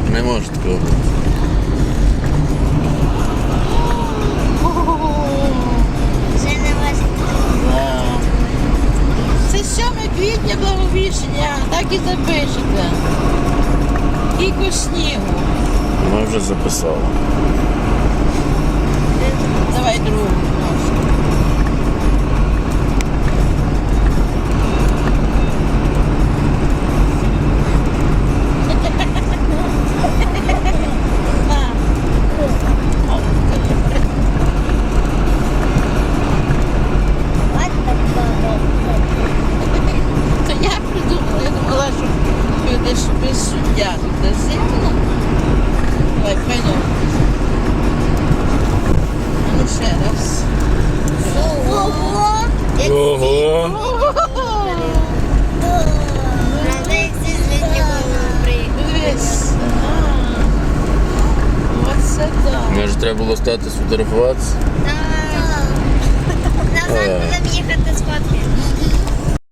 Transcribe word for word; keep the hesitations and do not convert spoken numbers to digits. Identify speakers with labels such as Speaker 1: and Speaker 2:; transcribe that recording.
Speaker 1: Не може такого бути.
Speaker 2: Вже не важить.
Speaker 3: Да. Це сьоме квітня Благовіщення, так і запишете. Кілько снігу.
Speaker 1: Ми вже записали.
Speaker 3: Давай другу. Це я придумала, я думала, що будеш без суддя тут зимно. Давай, пойдем. А ну ще раз.
Speaker 2: Ого! Як
Speaker 1: Ого!
Speaker 2: правда, як зі злітнього приїхали.
Speaker 3: Дивись. А. Оце так.
Speaker 1: Може треба було стати сфотографуватися?
Speaker 2: Так. Назад будемо їхати з фотки.